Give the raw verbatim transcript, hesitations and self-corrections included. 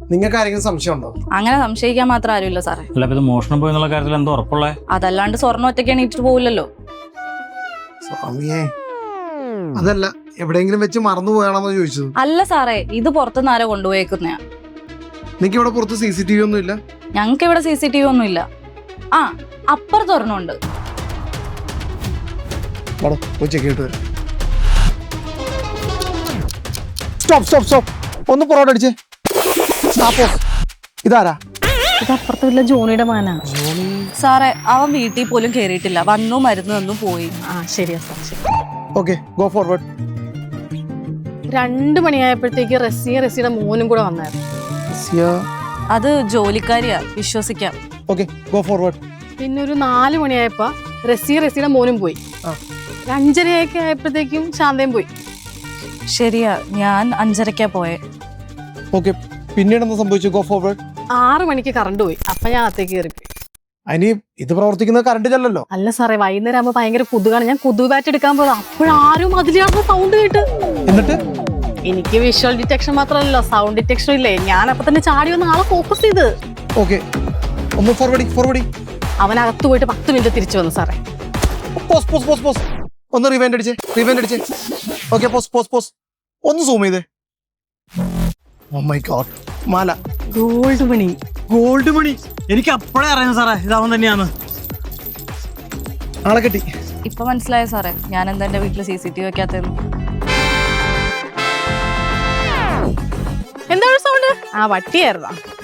നിങ്ങൾക്ക് ആരെങ്കിലും സംശയമുണ്ടോ? അങ്ങനെ സംശയിക്കാൻ മാത്രം ആരുമില്ല സാറേ. അല്ല, ഇത് മോഷണം പോയി എന്നുള്ള കാര്യത്തിൽ എന്തോ ഉറപ്പുള്ളേ? അതല്ലാണ്ട് സ്വർണ്ണം ഒറ്റയ്ക്ക് എണീറ്റിട്ട് പോവില്ലല്ലോ. സ്വാമിയേ, അതല്ല, എവിടെയെങ്കിലും വെച്ച് മറന്നു പോയാണെന്ന് ചോദിച്ചത്. അല്ല സാറേ, ഇത് പുറത്തുനിന്ന് ആരോ കൊണ്ടുപോയേക്കുന്നയാ. നിങ്ങൾക്ക് ഇവിടെ പുറത്ത് സി സി ടി വി ഒന്നും ഇല്ല? ഞങ്ങൾക്ക് ഇവിടെ സി സി ടി വി ഒന്നും ഇല്ല. ആ, അപ്പുറത്ത് ഒരെണ്ണമുണ്ട്. സ്റ്റോപ്പ് സ്റ്റോപ്പ് സ്റ്റോപ്പ് ഒന്ന് പുറകോട്ട് അടിച്ചേ. ഇതാരാ? ഇത് അപ്പുറത്ത് വല്ല ജോണിയുടെ മകനാണ് സാറേ. അവൻ വീട്ടിൽ പോലും കേറിയിട്ടില്ല, വന്നു മരുന്ന് തന്നു പോയി. ആ ശരിയാ സാർ, ശരി. Okay, go forward. രണ്ടു മണിയായപ്പോഴത്തേക്ക് റസിയ റസിയുടെ മോനും കൂടെ വന്നായിരുന്നു. അത് ജോലിക്കാരിയാ, വിശ്വസിക്കാം. Okay, go forward. പിന്നെ ഒരു നാല് മണിയായപ്പോ റസിയ റസിയുടെ മോനും പോയി. അഞ്ചരയൊക്കെ ആയപ്പോഴത്തേക്കും ശാന്തയും പോയി. ശരിയാ, ഞാൻ അഞ്ചരക്കാ പോയെ. ഓക്കെ, പിന്നീട് എന്താ സംഭവിച്ചു? Go forward. ആറു മണിക്ക് കറണ്ട് പോയി. അപ്പൊ ഞാൻ അകത്തേക്ക് കയറിപ്പോയി. അതിന് ഇത് പ്രവർത്തിക്കുന്നത് കറണ്ട് ചെല്ലല്ലോ. അല്ല സാറേ, വൈകുന്നേരം ആകുമ്പോ ഭയങ്കര കൊതുകാണ്. ഞാൻ കൊതുക് ബാറ്റ് എടുക്കാൻ പോയത്. അപ്പോഴാരും അതിലാണ് സൗണ്ട് കേട്ട്. എന്നിട്ട് എനിക്ക് വിഷ്വൽ ഡിറ്റക്ഷൻ മാത്രമല്ലോ, സൗണ്ട് ഡിറ്റക്ഷൻ ഇല്ലേ. ഞാൻ അപ്പൊ തന്നെ ചാടി വന്ന് ആളെ ഫോക്കസ് ചെയ്ത്. ഓക്കെ, ഒന്ന് ഫോർവേഡ് ഫോർവേഡ്. അവനകത്ത് പോയിട്ട് പത്ത് മിനിറ്റ് തിരിച്ചു വന്നു സാറേ. പോസ് പോസ് പോസ് പോസ് ഒന്ന് റിവൈൻഡ് അടിച്ചേ, റിവൈൻഡ് അടിച്ചേ. ഓക്കെ, പോസ് പോസ് പോസ് ഒന്ന് സൂം ചെയ്തേ. ഓ മൈ ഗോഡ്, മാല. ഗോൾഡ് മണി. ഗോൾഡ് മണി. എനിക്ക് അപ്പോഴേ അറിയാം സാറേ, ഇതാവൻ തന്നെയാണ്. ആളെ കെട്ടി. ഇപ്പൊ മനസ്സിലായ സാറേ, ഞാൻ എന്താ എന്റെ വീട്ടില് സി സി ടി വി വെക്കാത്തെന്ന്. എന്താണ് സൗണ്ട്? ആ വട്ടിയായിരുന്നോ?